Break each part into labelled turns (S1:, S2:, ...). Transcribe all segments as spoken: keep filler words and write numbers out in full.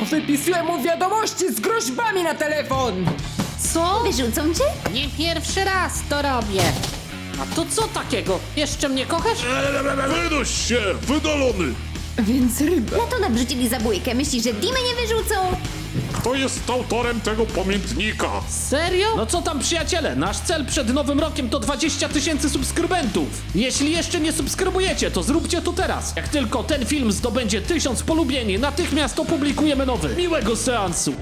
S1: Wypisuję mu wiadomości z groźbami na telefon!
S2: Co?
S3: Wyrzucą cię?
S2: Nie pierwszy raz to robię. A to co takiego? Jeszcze mnie kochasz?
S4: Wynoś się, wydalony!
S1: Więc ryba.
S3: Na to nabrzucili zabójkę. Myślisz, że Dimę nie wyrzucą?
S4: Kto jest autorem tego pamiętnika?
S2: Serio? No co tam, przyjaciele? Nasz cel przed nowym rokiem to dwadzieścia tysięcy subskrybentów. Jeśli jeszcze nie subskrybujecie, to zróbcie to teraz. Jak tylko ten film zdobędzie tysiąc polubieni, natychmiast opublikujemy nowy. Miłego seansu.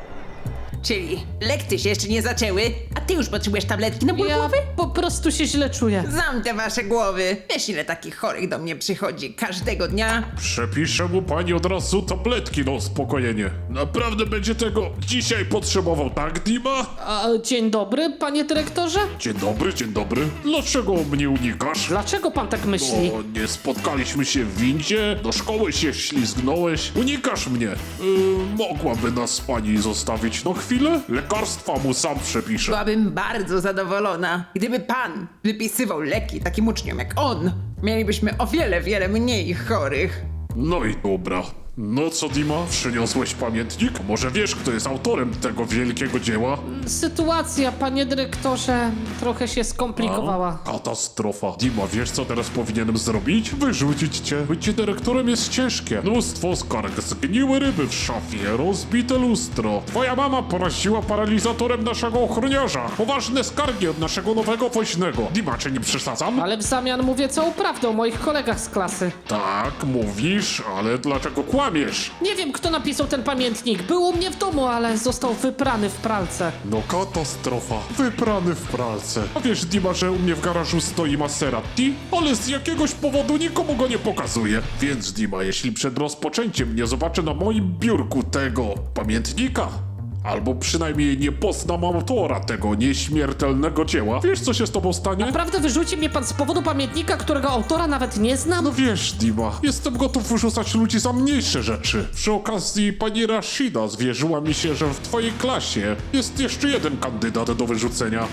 S1: Czyli lekcje się jeszcze nie zaczęły, a ty już potrzebujesz tabletki na ból
S2: Ja
S1: głowy?
S2: po prostu się źle czuję.
S1: Znam te wasze głowy. Wiesz, ile takich chorych do mnie przychodzi każdego dnia?
S4: Przepiszę mu pani od razu tabletki na uspokojenie. Naprawdę będzie tego dzisiaj potrzebował, tak, Dima?
S2: A, dzień dobry, panie dyrektorze?
S4: Dzień dobry, dzień dobry. Dlaczego mnie unikasz?
S2: Dlaczego pan tak myśli?
S4: Bo nie spotkaliśmy się w windzie, do szkoły się ślizgnąłeś. Unikasz mnie. Yy, mogłaby nas pani zostawić na chwilę? Lekarstwa mu sam przepiszę.
S1: Byłabym bardzo zadowolona, gdyby pan wypisywał leki takim uczniom jak on. Mielibyśmy o wiele, wiele mniej chorych.
S4: No i dobra. No co, Dima? Przyniosłeś pamiętnik? Może wiesz, kto jest autorem tego wielkiego dzieła?
S2: Sytuacja, panie dyrektorze, trochę się skomplikowała.
S4: Katastrofa. Dima, wiesz, co teraz powinienem zrobić? Wyrzucić cię. Bycie dyrektorem jest ciężkie. Mnóstwo skarg, zgniłe ryby w szafie, rozbite lustro. Twoja mama poraziła paralizatorem naszego ochroniarza. Poważne skargi od naszego nowego woźnego. Dima, czy nie przesadzam?
S2: Ale w zamian mówię całą prawdę o moich kolegach z klasy.
S4: Tak, mówisz, ale dlaczego kłamiesz?
S2: Nie wiem, kto napisał ten pamiętnik. Był u mnie w domu, ale został wyprany w pralce.
S4: No katastrofa. Wyprany w pralce. A wiesz, Dima, że u mnie w garażu stoi Maserati? Ale z jakiegoś powodu nikomu go nie pokazuje. Więc Dima, jeśli przed rozpoczęciem nie zobaczę na moim biurku tego pamiętnika, albo przynajmniej nie poznam autora tego nieśmiertelnego dzieła, wiesz, co się z tobą stanie?
S2: Naprawdę wyrzuci mnie pan z powodu pamiętnika, którego autora nawet nie znam?
S4: No wiesz, Dima, jestem gotów wyrzucać ludzi za mniejsze rzeczy. Przy okazji pani Rashida zwierzyła mi się, że w twojej klasie jest jeszcze jeden kandydat do wyrzucenia.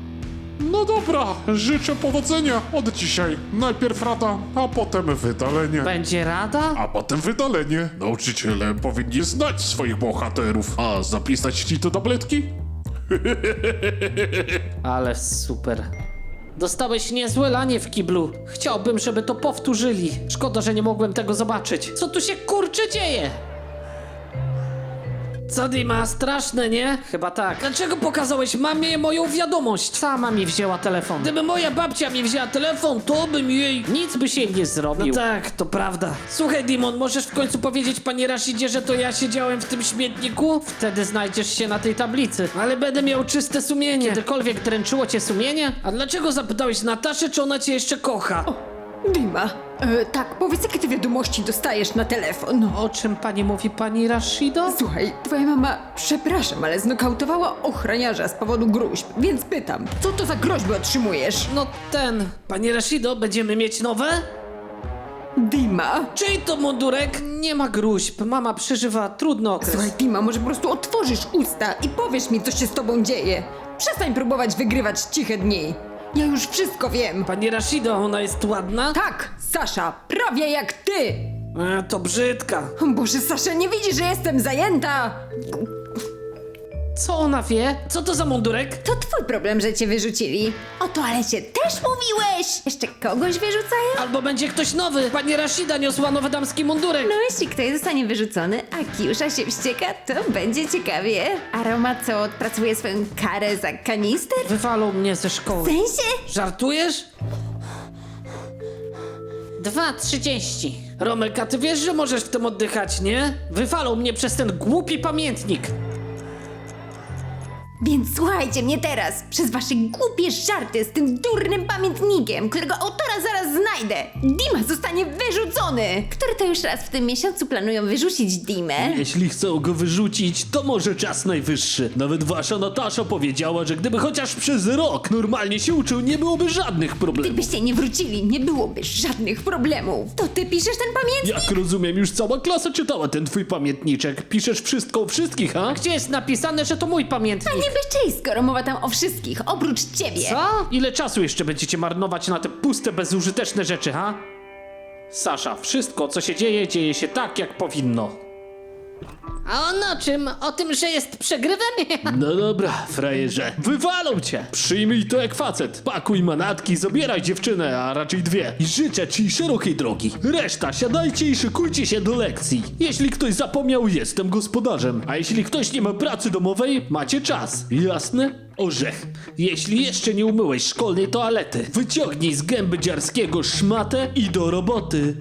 S4: No dobra, życzę powodzenia od dzisiaj. Najpierw rada, a potem wydalenie.
S2: Będzie rada?
S4: A potem wydalenie. Nauczyciele powinni znać swoich bohaterów. A zapisać ci te tabletki?
S2: Ale super. Dostałeś niezłe lanie w kiblu. Chciałbym, żeby to powtórzyli. Szkoda, że nie mogłem tego zobaczyć. Co tu się kurczę dzieje? Co, Dima, straszne, nie? Chyba tak. Dlaczego pokazałeś mamie moją wiadomość? Sama mi wzięła telefon. Gdyby moja babcia mi wzięła telefon, to bym jej... Nic by się nie zrobił. No tak, to prawda. Słuchaj, Dimon, możesz w końcu powiedzieć pani Rashidzie, że to ja siedziałem w tym śmietniku? Wtedy znajdziesz się na tej tablicy. Ale będę miał czyste sumienie. Kiedykolwiek dręczyło cię sumienie? A dlaczego zapytałeś Nataszę, czy ona cię jeszcze kocha?
S1: Dima, e, tak, powiedz, jakie ty wiadomości dostajesz na telefon.
S2: O czym pani mówi, pani Rashido?
S1: Słuchaj, twoja mama, przepraszam, ale znokautowała ochroniarza z powodu gruźb, więc pytam, co to za groźby otrzymujesz?
S2: No ten. Pani Rashido, będziemy mieć nowe?
S1: Dima?
S2: Czyj to mundurek? Nie ma gruźb. Mama przeżywa trudny okres.
S1: Słuchaj, Dima, może po prostu otworzysz usta i powiesz mi, co się z tobą dzieje. Przestań próbować wygrywać ciche dni. Ja już wszystko wiem.
S2: Pani Rashido, ona jest ładna?
S1: Tak, Sasza, prawie jak ty.
S2: E, to brzydka.
S1: O Boże, Sasza, nie widzi, że jestem zajęta?
S2: Co ona wie? Co to za mundurek?
S3: To twój problem, że cię wyrzucili. O toalecie też mówiłeś! Jeszcze kogoś wyrzucają?
S2: Albo będzie ktoś nowy. Pani Rashida niosła nowy damski mundurek.
S3: No jeśli ktoś zostanie wyrzucony, a Kiusza się wścieka, to będzie ciekawie. A Roma co, odpracuje swoją karę za kanister?
S2: Wywalą mnie ze
S3: W
S2: szkoły.
S3: sensie?
S2: Żartujesz? dwa trzydzieści. Romek, a ty wiesz, że możesz w tym oddychać, nie? Wywalą mnie przez ten głupi pamiętnik.
S3: Więc słuchajcie mnie teraz, przez wasze głupie żarty z tym durnym pamiętnikiem, którego autora zaraz znajdę. Dima zostanie wyrzucony! Który to już raz w tym miesiącu planują wyrzucić Dimę?
S5: Jeśli chcą go wyrzucić, to może czas najwyższy. Nawet wasza Natasza powiedziała, że gdyby chociaż przez rok normalnie się uczył, nie byłoby żadnych problemów.
S3: Gdybyście nie wrócili, nie byłoby żadnych problemów. To ty piszesz ten pamiętnik?
S5: Jak rozumiem, już cała klasa czytała ten twój pamiętniczek. Piszesz wszystko o wszystkich, ha?
S2: Gdzie jest napisane, że to mój pamiętnik?
S3: Nie bez czyj, skoro mowa tam o wszystkich, oprócz ciebie.
S2: Co? Ile czasu jeszcze będziecie marnować na te puste, bezużyteczne rzeczy, ha? Sasza, wszystko, co się dzieje, dzieje się tak, jak powinno. A on o czym? O tym, że jest przegrywem?
S5: No dobra, frajerze. Wywalą cię! Przyjmij to jak facet. Pakuj manatki, zabieraj dziewczynę, a raczej dwie. I życzę ci szerokiej drogi. Reszta, siadajcie i szykujcie się do lekcji. Jeśli ktoś zapomniał, jestem gospodarzem. A jeśli ktoś nie ma pracy domowej, macie czas. Jasne? Orzech. Jeśli jeszcze nie umyłeś szkolnej toalety, wyciągnij z gęby dziarskiego szmatę i do roboty.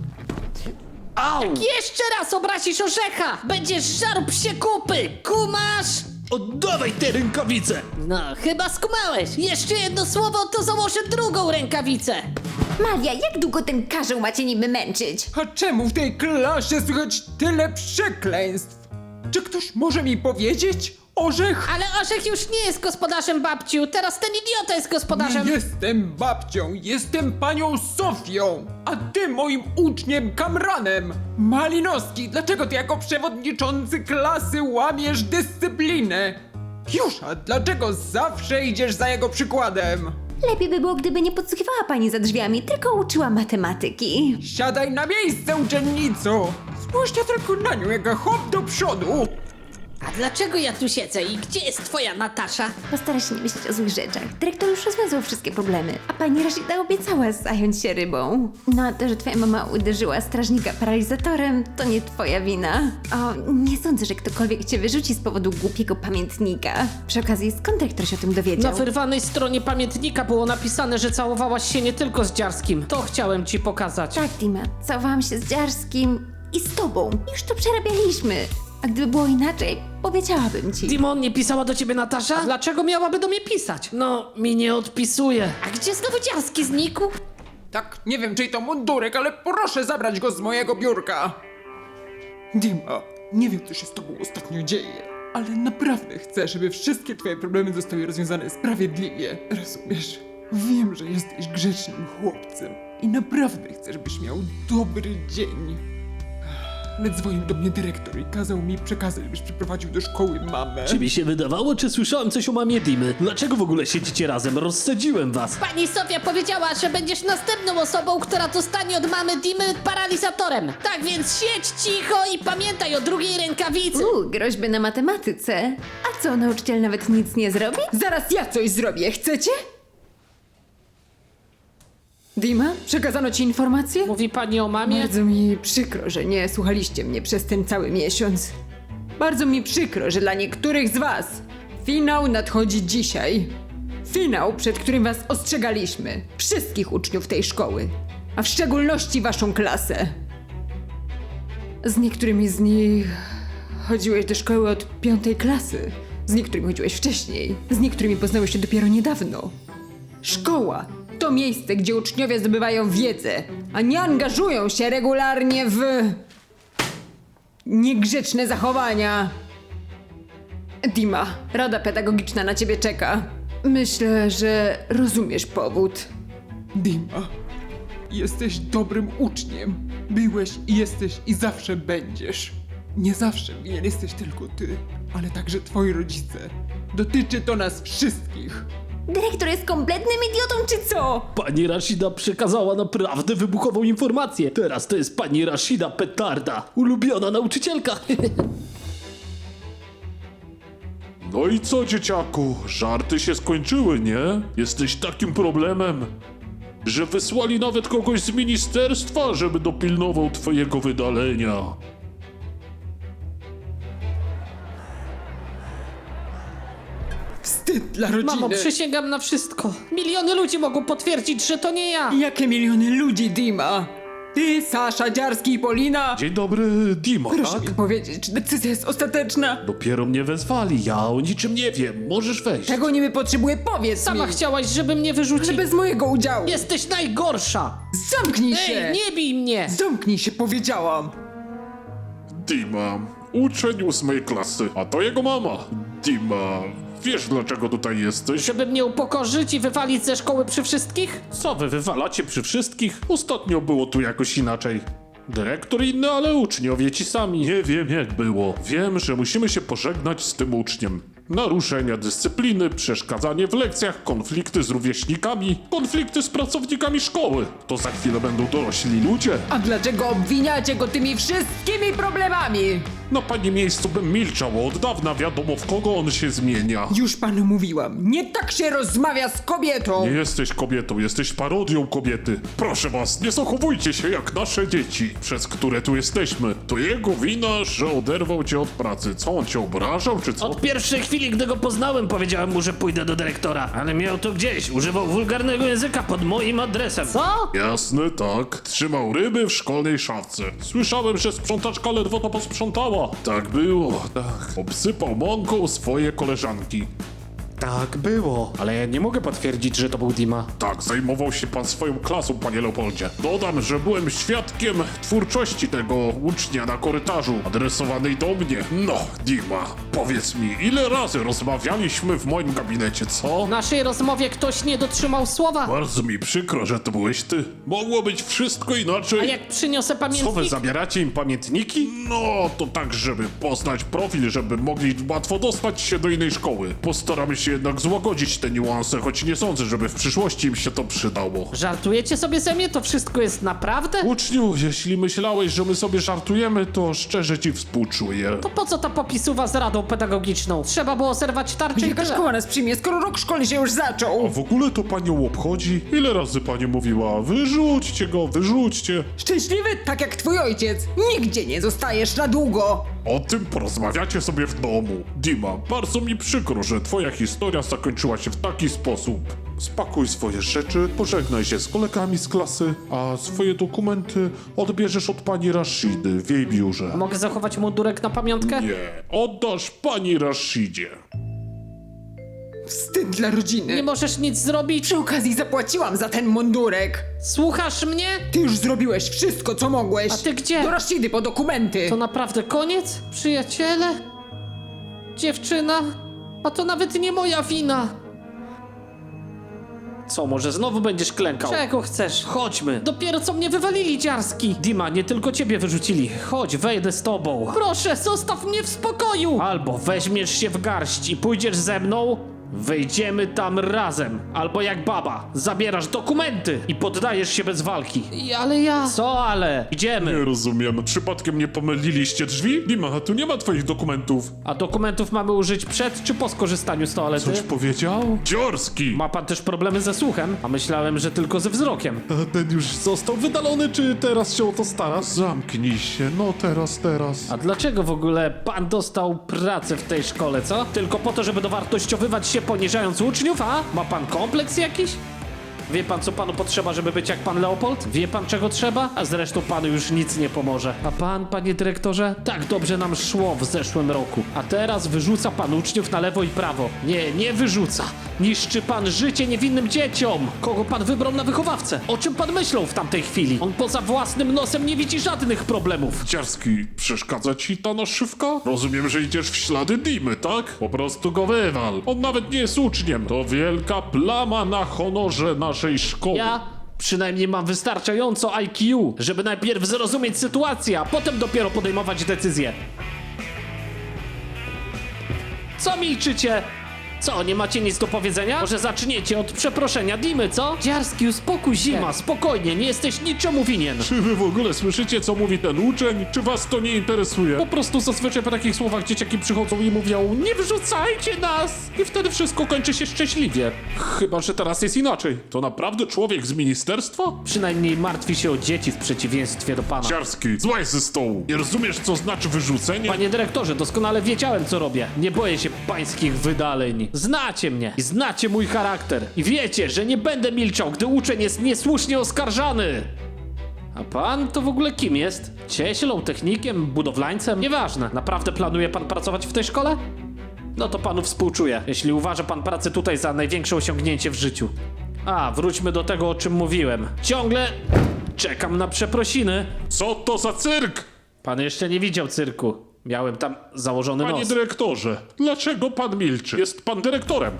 S5: Au!
S2: Jeszcze raz obrazisz orzecha! Będziesz żarł psie kupy! Kumasz?
S5: Oddawaj te rękawice!
S2: No, chyba skumałeś. Jeszcze jedno słowo, to założę drugą rękawicę.
S3: Maria, jak długo ten karzeł macie niby męczyć?
S6: A czemu w tej klasie słychać tyle przekleństw? Czy ktoś może mi powiedzieć? Orzech?
S2: Ale Orzech już nie jest gospodarzem, babciu. Teraz ten idiota jest gospodarzem.
S6: Nie jestem babcią, jestem panią Sofią, a ty moim uczniem Kamranem. Malinowski, dlaczego ty jako przewodniczący klasy łamiesz dyscyplinę? Piusza, dlaczego zawsze idziesz za jego przykładem?
S3: Lepiej by było, gdyby nie podsłuchiwała pani za drzwiami, tylko uczyła matematyki.
S6: Siadaj na miejsce, uczennico! Spójrzcie tylko na nią, jaka hop do przodu!
S2: A dlaczego ja tu siedzę i gdzie jest twoja Natasza?
S3: Postara się nie myśleć o złych rzeczach. Dyrektor już rozwiązał wszystkie problemy, a pani Rashida obiecała zająć się rybą. No a to, że twoja mama uderzyła strażnika paralizatorem, to nie twoja wina. O, nie sądzę, że ktokolwiek cię wyrzuci z powodu głupiego pamiętnika. Przy okazji, skąd dyrektor się o tym dowiedział?
S2: Na wyrwanej stronie pamiętnika było napisane, że całowałaś się nie tylko z Dziarskim. To chciałem ci pokazać.
S3: Tak, Dima, całowałam się z Dziarskim i z tobą. Już to przerabialiśmy. A gdyby było inaczej, powiedziałabym ci.
S2: Dimon, nie pisała do ciebie Natasza? A dlaczego miałaby do mnie pisać? No, mi nie odpisuje. A gdzie znowu Dziarski znikł?
S6: Tak, nie wiem czyj to mundurek, ale proszę zabrać go z mojego biurka. Dima, nie wiem co się z tobą ostatnio dzieje, ale naprawdę chcę, żeby wszystkie twoje problemy zostały rozwiązane sprawiedliwie. Rozumiesz? Wiem, że jesteś grzecznym chłopcem i naprawdę chcę, żebyś miał dobry dzień. Ale dzwonił do mnie dyrektor i kazał mi przekazać, żebyś przyprowadził do szkoły mamę.
S5: Czy mi się wydawało, czy słyszałem coś o mamie Dimy? Dlaczego w ogóle siedzicie razem? Rozsadziłem was.
S2: Pani Sofia powiedziała, że będziesz następną osobą, która dostanie od mamy Dimy paralizatorem. Tak więc siedź cicho i pamiętaj o drugiej rękawicy.
S3: Uuu, groźby na matematyce. A co, nauczyciel nawet nic nie zrobi?
S1: Zaraz ja coś zrobię, chcecie? Dima, przekazano ci informację?
S2: Mówi pani o mamie?
S1: Bardzo mi przykro, że nie słuchaliście mnie przez ten cały miesiąc. Bardzo mi przykro, że dla niektórych z was finał nadchodzi dzisiaj. Finał, przed którym was ostrzegaliśmy. Wszystkich uczniów tej szkoły. A w szczególności waszą klasę. Z niektórymi z nich chodziłeś do szkoły od piątej klasy. Z niektórymi chodziłeś wcześniej. Z niektórymi poznałeś się dopiero niedawno. Szkoła to miejsce, gdzie uczniowie zdobywają wiedzę, a nie angażują się regularnie w niegrzeczne zachowania. Dima, rada pedagogiczna na ciebie czeka. Myślę, że rozumiesz powód.
S6: Dima, jesteś dobrym uczniem. Byłeś i jesteś i zawsze będziesz. Nie zawsze winien jesteś tylko ty, ale także twoi rodzice. Dotyczy to nas wszystkich.
S3: Dyrektor jest kompletnym idiotą, czy co?
S5: Pani Rashida przekazała naprawdę wybuchową informację. Teraz to jest pani Rashida Petarda, ulubiona nauczycielka.
S4: No i co, dzieciaku? Żarty się skończyły, nie? Jesteś takim problemem, że wysłali nawet kogoś z ministerstwa, żeby dopilnował twojego wydalenia.
S6: Wstyd dla rodziny.
S2: Mamo, przysięgam na wszystko. Miliony ludzi mogą potwierdzić, że to nie ja.
S1: Jakie miliony ludzi, Dima? Ty, Sasza, Dziarski i Polina?
S4: Dzień dobry, Dima,
S1: Proszę
S4: tak?
S1: mi powiedzieć, czy decyzja jest ostateczna?
S4: Dopiero mnie wezwali, ja o niczym nie wiem, możesz wejść.
S1: Czego niby potrzebuję, powiedz
S2: Sama
S1: mi!
S2: chciałaś, żeby mnie
S1: Ale
S2: wyrzucić.
S1: bez mojego udziału!
S2: Jesteś najgorsza.
S1: Zamknij się!
S2: Ej, nie bij mnie.
S1: Zamknij się, powiedziałam!
S4: Dima, uczeń ósmej klasy, a to jego mama. Dima, wiesz dlaczego tutaj jesteś?
S2: Żeby mnie upokorzyć i wywalić ze szkoły przy wszystkich?
S4: Co wy wywalacie przy wszystkich? Ostatnio było tu jakoś inaczej. Dyrektor inny, ale uczniowie ci sami. Nie wiem jak było. Wiem, że musimy się pożegnać z tym uczniem. Naruszenia dyscypliny, przeszkadzanie w lekcjach, konflikty z rówieśnikami, konflikty z pracownikami szkoły. To za chwilę będą dorośli ludzie.
S1: A dlaczego obwiniacie go tymi wszystkimi problemami?
S4: Na pani miejscu bym milczał, od dawna wiadomo w kogo on się zmienia.
S1: Już panu mówiłam, nie tak się rozmawia z kobietą!
S4: Nie jesteś kobietą, jesteś parodią kobiety. Proszę was, nie zachowujcie się jak nasze dzieci, przez które tu jesteśmy. To jego wina, że oderwał cię od pracy. Co, on cię obrażał, czy co?
S2: Od pierwszej chwili, gdy go poznałem, powiedziałem mu, że pójdę do dyrektora. Ale miał to gdzieś. Używał wulgarnego języka pod moim adresem. Co?
S4: Jasne, tak. Trzymał ryby w szkolnej szafce. Słyszałem, że sprzątaczka ledwo to posprzątała. Tak było, tak. Obsypał mąką swoje koleżanki.
S5: Tak było. Ale ja nie mogę potwierdzić, że to był Dima.
S4: Tak, zajmował się pan swoją klasą, panie Leopoldzie. Dodam, że byłem świadkiem twórczości tego ucznia na korytarzu, adresowanej do mnie. No, Dima, powiedz mi, ile razy rozmawialiśmy w moim gabinecie, co?
S2: W naszej rozmowie ktoś nie dotrzymał słowa.
S4: Bardzo mi przykro, że to byłeś ty. Mogło być wszystko inaczej.
S2: A jak przyniosę
S4: Co wy
S2: pamiętnik?
S4: zabieracie im pamiętniki? No, to tak, żeby poznać profil, żeby mogli łatwo dostać się do innej szkoły. Postaramy się jednak złagodzić te niuanse, choć nie sądzę, żeby w przyszłości im się to przydało.
S2: Żartujecie sobie ze mnie? To wszystko jest naprawdę?
S4: Uczniu, jeśli myślałeś, że my sobie żartujemy, to szczerze ci współczuję.
S2: To po co ta popisuwa z radą pedagogiczną? Trzeba było zerwać tarczę i
S1: Jaka
S2: tyle.
S1: szkoła nas przyjmie, skoro rok szkolny się już
S4: A
S1: zaczął?
S4: w ogóle to panią obchodzi? Ile razy pani mówiła, wyrzućcie go, wyrzućcie.
S1: Szczęśliwy, tak jak twój ojciec. Nigdzie nie zostajesz na długo.
S4: O tym porozmawiacie sobie w domu. Dima, bardzo mi przykro, że twoja historia zakończyła się w taki sposób. Spakuj swoje rzeczy, pożegnaj się z kolegami z klasy, a swoje dokumenty odbierzesz od pani Rashidy w jej biurze.
S2: Mogę zachować mundurek na pamiątkę?
S4: Nie, oddasz pani Rashidzie.
S1: Wstyd dla rodziny.
S2: Nie możesz nic zrobić?
S1: Przy okazji zapłaciłam za ten mundurek.
S2: Słuchasz mnie?
S1: Ty już zrobiłeś wszystko, co mogłeś.
S2: A ty gdzie?
S1: Do Rashidy po dokumenty.
S2: To naprawdę koniec? Przyjaciele? Dziewczyna? A to nawet nie moja wina. Co, może znowu będziesz klękał? Czego chcesz? Chodźmy. Dopiero co mnie wywalili, dziarski. Dima, nie tylko ciebie wyrzucili. Chodź, wejdę z tobą. Proszę, zostaw mnie w spokoju. Albo weźmiesz się w garść i pójdziesz ze mną, wejdziemy tam razem. Albo jak baba, zabierasz dokumenty i poddajesz się bez walki. I, ale ja... Co ale? Idziemy.
S4: Nie rozumiem, przypadkiem nie pomyliliście drzwi? Dima, tu nie ma twoich dokumentów.
S2: A dokumentów mamy użyć przed czy po skorzystaniu z toalety?
S4: Coś powiedział? Dziorski!
S2: Ma pan też problemy ze słuchem? A myślałem, że tylko ze wzrokiem.
S4: A ten już został wydalony, czy teraz się o to starasz? Zamknij się, no teraz, teraz.
S2: A dlaczego w ogóle pan dostał pracę w tej szkole, co? Tylko po to, żeby dowartościowywać się poniżając uczniów, a? Ma pan kompleks jakiś? Wie pan, co panu potrzeba, żeby być jak pan Leopold? Wie pan, czego trzeba? A zresztą panu już nic nie pomoże. A pan, panie dyrektorze? Tak dobrze nam szło w zeszłym roku. A teraz wyrzuca pan uczniów na lewo i prawo. Nie, nie wyrzuca. Niszczy pan życie niewinnym dzieciom. Kogo pan wybrał na wychowawcę? O czym pan myślał w tamtej chwili? On poza własnym nosem nie widzi żadnych problemów.
S4: Dziarski, przeszkadza ci ta naszywka? Rozumiem, że idziesz w ślady Dimy, tak? Po prostu go wywal. On nawet nie jest uczniem. To wielka plama na honorze naszej szkoły.
S2: Ja przynajmniej mam wystarczająco I Q, żeby najpierw zrozumieć sytuację, a potem dopiero podejmować decyzje. Co milczycie? Co, nie macie nic do powiedzenia? Może zaczniecie od przeproszenia Dimy, co? Dziarski, uspokój się. Dima, spokojnie, nie jesteś niczemu winien.
S4: Czy wy w ogóle słyszycie, co mówi ten uczeń? Czy was to nie interesuje? Po prostu zazwyczaj po takich słowach dzieciaki przychodzą i mówią: nie wyrzucajcie nas! I wtedy wszystko kończy się szczęśliwie. Chyba, że teraz jest inaczej. To naprawdę człowiek z ministerstwa?
S2: Przynajmniej martwi się o dzieci w przeciwieństwie do pana.
S4: Dziarski, złaź ze stołu. Nie rozumiesz, co znaczy wyrzucenie?
S2: Panie dyrektorze, doskonale wiedziałem, co robię. Nie boję się pańskich wydaleń. Znacie mnie i znacie mój charakter. I wiecie, że nie będę milczał, gdy uczeń jest niesłusznie oskarżany. A pan to w ogóle kim jest? Cieślą, technikiem, budowlańcem? Nieważne. Naprawdę planuje pan pracować w tej szkole? No to panu współczuję, jeśli uważa pan pracę tutaj za największe osiągnięcie w życiu. A, wróćmy do tego, o czym mówiłem. Ciągle czekam na przeprosiny.
S4: Co to za cyrk?
S2: Pan jeszcze nie widział cyrku. Miałem tam założony
S4: Panie
S2: nos.
S4: dyrektorze, dlaczego pan milczy? Jest pan dyrektorem.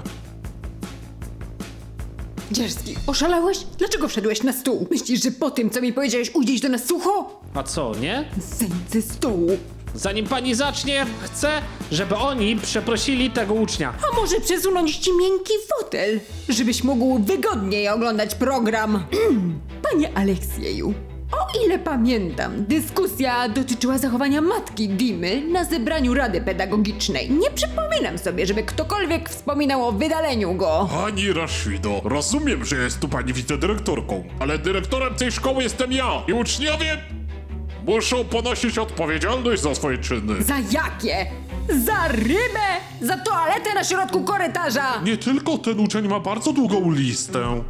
S1: Dziarski, oszalałeś? Dlaczego wszedłeś na stół? Myślisz, że po tym, co mi powiedziałeś, ujdziesz do nas sucho?
S2: A co, nie?
S1: Zejdź ze stołu.
S2: Zanim pani zacznie, chcę, żeby oni przeprosili tego ucznia.
S1: A może przesunąć ci miękki fotel, żebyś mógł wygodniej oglądać program? Panie Aleksieju, O ile pamiętam, dyskusja dotyczyła zachowania matki Dimy na zebraniu Rady Pedagogicznej. Nie przypominam sobie, żeby ktokolwiek wspominał o wydaleniu go.
S4: Pani Rashido, rozumiem, że jest tu pani wicedyrektorką, ale dyrektorem tej szkoły jestem ja i uczniowie muszą ponosić odpowiedzialność za swoje czyny.
S1: Za jakie? Za rybę? Za toaletę na środku korytarza?
S4: Nie tylko ten uczeń ma bardzo długą listę.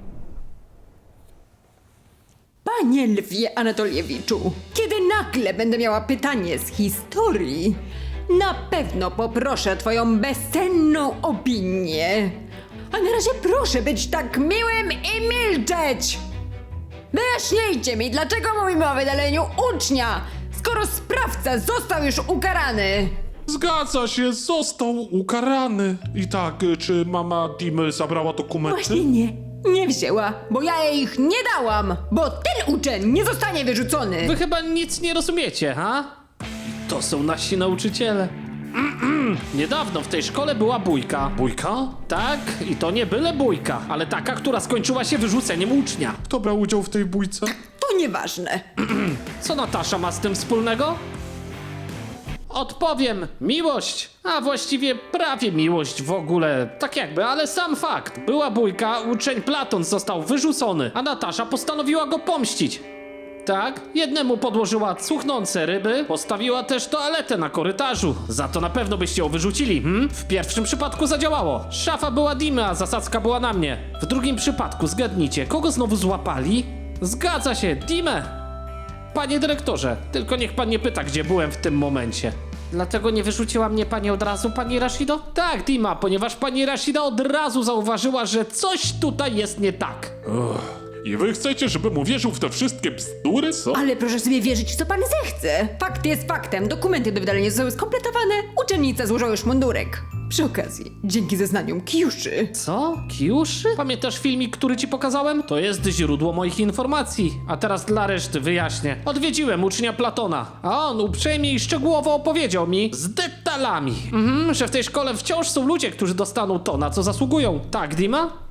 S1: Panie Lwie Anatoliewiczu, kiedy nagle będę miała pytanie z historii, na pewno poproszę o twoją bezcenną opinię. A na razie proszę być tak miłym i milczeć! Wyjaśnijcie mi, dlaczego mówimy o wydaleniu ucznia, skoro sprawca został już ukarany?
S4: Zgadza się, został ukarany. I tak, y, czy mama Dimy zabrała dokumenty?
S1: Właśnie nie, nie wzięła, bo ja jej ich nie dałam, bo ten uczeń nie zostanie wyrzucony.
S2: Wy chyba nic nie rozumiecie, ha? To są nasi nauczyciele. Mm-mm. Niedawno w tej szkole była bójka.
S4: Bójka?
S2: Tak, i to nie byle bójka, ale taka, która skończyła się wyrzuceniem ucznia.
S4: Kto brał udział w tej bójce?
S1: To nieważne.
S2: Co Natasza ma z tym wspólnego? Odpowiem, miłość, a właściwie prawie miłość w ogóle, tak jakby, ale sam fakt. Była bójka, uczeń Platon został wyrzucony, a Natasza postanowiła go pomścić. Tak, jednemu podłożyła cuchnące ryby, postawiła też toaletę na korytarzu. Za to na pewno byście ją wyrzucili, hm? W pierwszym przypadku zadziałało. Szafa była Dimy, a zasadzka była na mnie. W drugim przypadku, zgadnijcie, kogo znowu złapali? Zgadza się, Dimę. Panie dyrektorze, tylko niech pan nie pyta, gdzie byłem w tym momencie. Dlatego nie wyrzuciła mnie pani od razu, pani Rashido? Tak, Dima, ponieważ pani Rashida od razu zauważyła, że coś tutaj jest nie tak.
S4: I wy chcecie, żebym uwierzył w te wszystkie bzdury? Co?
S1: Ale proszę sobie wierzyć, w co pan zechce. Fakt jest faktem. Dokumenty do wydalenia zostały skompletowane. Uczennica złożyła już mundurek. Przy okazji, dzięki zeznaniom Kijuszy.
S2: Co? Kijuszy? Pamiętasz filmik, który ci pokazałem? To jest źródło moich informacji. A teraz dla reszty wyjaśnię. Odwiedziłem ucznia Platona, a on uprzejmie i szczegółowo opowiedział mi z detalami, mhm, że w tej szkole wciąż są ludzie, którzy dostaną to, na co zasługują. Tak, Dima?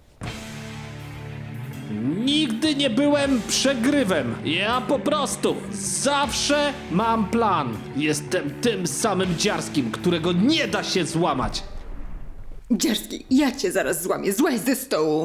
S2: Nigdy nie byłem przegrywem. Ja po prostu zawsze mam plan. Jestem tym samym dziarskim, którego nie da się złamać.
S1: Dziarski, ja cię zaraz złamię. Złaź ze stołu.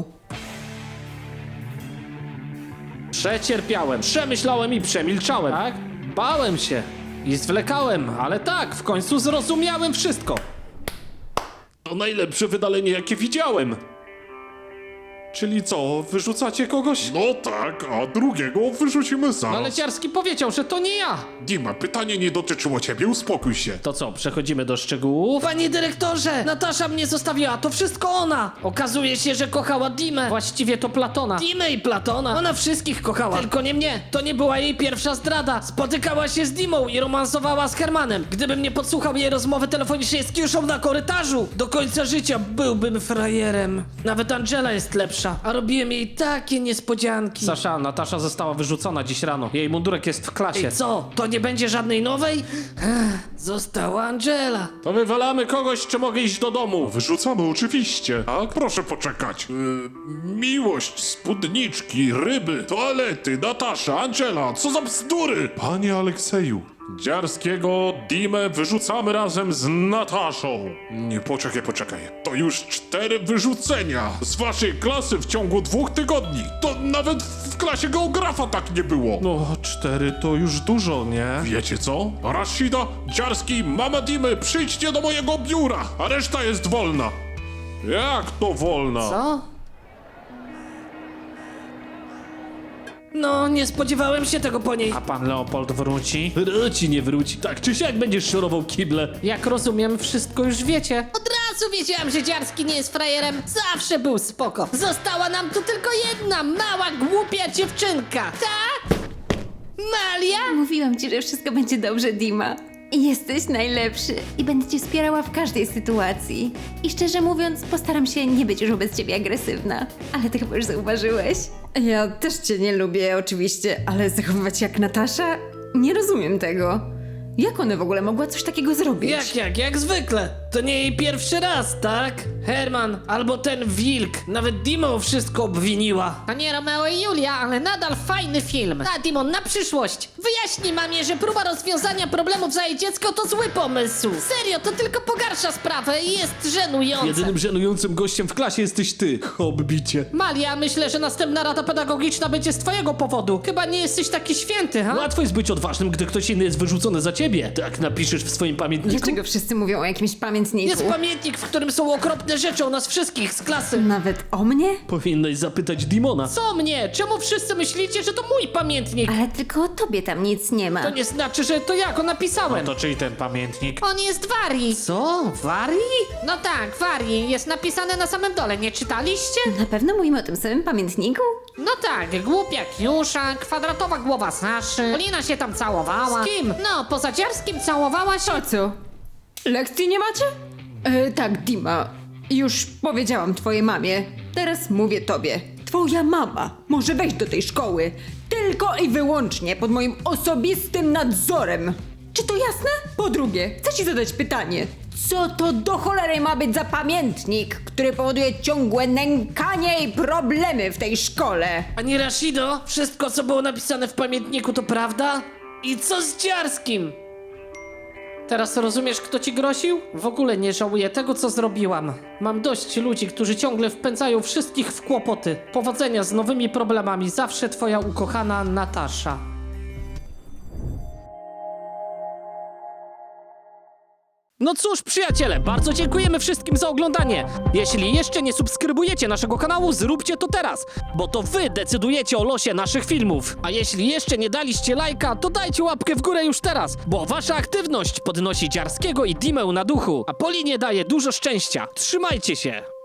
S2: Przecierpiałem, przemyślałem i przemilczałem, tak? Bałem się i zwlekałem, ale tak, w końcu zrozumiałem wszystko.
S4: To najlepsze wydalenie, jakie widziałem. Czyli co, wyrzucacie kogoś? No tak, a drugiego wyrzucimy zaraz.
S2: Ale Dziarski powiedział, że to nie ja.
S4: Dima, pytanie nie dotyczyło ciebie, uspokój się.
S2: To co, przechodzimy do szczegółów? Panie dyrektorze, Natasza mnie zostawiła, to wszystko ona. Okazuje się, że kochała Dimę. Właściwie to Platona. Dimę i Platona. Ona wszystkich kochała, tylko nie mnie. To nie była jej pierwsza zdrada. Spotykała się z Dimą i romansowała z Hermanem. Gdybym nie podsłuchał jej rozmowy telefonicznej z Kiuszą na korytarzu, do końca życia byłbym frajerem. Nawet Angela jest lepsza, a robiłem jej takie niespodzianki. Sasza, Natasza została wyrzucona dziś rano. Jej mundurek jest w klasie. I co, to nie będzie żadnej nowej? Ech, została Angela.
S4: To wywalamy kogoś, czy mogę iść do domu? Wyrzucamy, oczywiście. Tak? Proszę poczekać. Yy, miłość, spódniczki, ryby, toalety, Natasza, Angela, co za bzdury? Panie Alekseju, Dziarskiego, Dimę wyrzucamy razem z Nataszą. Nie, poczekaj, poczekaj. To już cztery wyrzucenia z waszej klasy w ciągu dwóch tygodni. To nawet w klasie geografa tak nie było.
S5: No, cztery to już dużo, nie?
S4: Wiecie co? Rashida, Dziarski, mama Dimy, przyjdźcie do mojego biura, a reszta jest wolna. Jak to wolna?
S2: Co? No, nie spodziewałem się tego po niej. A pan Leopold wróci?
S5: Wróci, nie wróci. Tak czy siak będziesz szorował kible.
S2: Jak rozumiem, wszystko już wiecie.
S7: Od razu wiedziałam, że Dziarski nie jest frajerem. Zawsze był spoko. Została nam tu tylko jedna mała, głupia dziewczynka. Tak? Malia?
S3: Mówiłam ci, że wszystko będzie dobrze, Dima. Jesteś najlepszy i będę cię wspierała w każdej sytuacji. I szczerze mówiąc, postaram się nie być już wobec ciebie agresywna. Ale ty chyba już zauważyłeś.
S1: Ja też cię nie lubię, oczywiście, ale zachowywać jak Natasza? Nie rozumiem tego. Jak ona w ogóle mogła coś takiego zrobić?
S2: Jak, jak, jak zwykle. to nie jej pierwszy raz, tak? Herman, albo ten wilk. Nawet Dima o wszystko obwiniła.
S7: To nie Romeo i Julia, ale nadal fajny film. A Dimon, na przyszłość. Wyjaśnij mamie, że próba rozwiązania problemów za jej dziecko to zły pomysł. Serio, to tylko pogarsza sprawę i jest żenujące.
S5: Jedynym żenującym gościem w klasie jesteś ty, hobbicie.
S7: Malia, myślę, że następna rada pedagogiczna będzie z twojego powodu. Chyba nie jesteś taki święty, ha?
S5: Łatwo jest być odważnym, gdy ktoś inny jest wyrzucony za ciebie. Tak napiszesz w swoim pamiętniku.
S1: Dlaczego wszyscy mówią o jakimś pamiętniku?
S2: Jest pamiętnik, w którym są okropne rzeczy o nas wszystkich z klasy.
S1: Nawet o mnie?
S5: Powinnaś zapytać Dimona.
S7: Co mnie? Czemu wszyscy myślicie, że to mój pamiętnik?
S3: Ale tylko o tobie tam nic nie ma.
S2: To nie znaczy, że to ja go napisałem.
S4: To czyj ten pamiętnik?
S7: On jest Warii.
S2: Co? Warii?
S7: No tak, Warii. Jest napisane na samym dole, nie czytaliście?
S3: Na pewno mówimy o tym samym pamiętniku?
S7: No tak, głupia Kiusza, kwadratowa głowa Saszy. Polina się tam całowała.
S2: Z kim?
S7: No, poza Dziarskim całowała się.
S1: A co? Lekcji nie macie? E, tak, Dima. Już powiedziałam twojej mamie. Teraz mówię tobie. Twoja mama może wejść do tej szkoły tylko i wyłącznie pod moim osobistym nadzorem. Czy to jasne? Po drugie, chcę ci zadać pytanie. Co to do cholery ma być za pamiętnik, który powoduje ciągłe nękanie i problemy w tej szkole?
S2: Pani Rashido, wszystko co było napisane w pamiętniku to prawda? I co z Dziarskim? Teraz rozumiesz, kto ci groził? W ogóle nie żałuję tego, co zrobiłam. Mam dość ludzi, którzy ciągle wpędzają wszystkich w kłopoty. Powodzenia z nowymi problemami. Zawsze twoja ukochana Natasza. No cóż, przyjaciele, bardzo dziękujemy wszystkim za oglądanie. Jeśli jeszcze nie subskrybujecie naszego kanału, zróbcie to teraz, bo to wy decydujecie o losie naszych filmów. A jeśli jeszcze nie daliście lajka, to dajcie łapkę w górę już teraz, bo wasza aktywność podnosi Dziarskiego i Dimę na duchu, a Polinie daje dużo szczęścia. Trzymajcie się!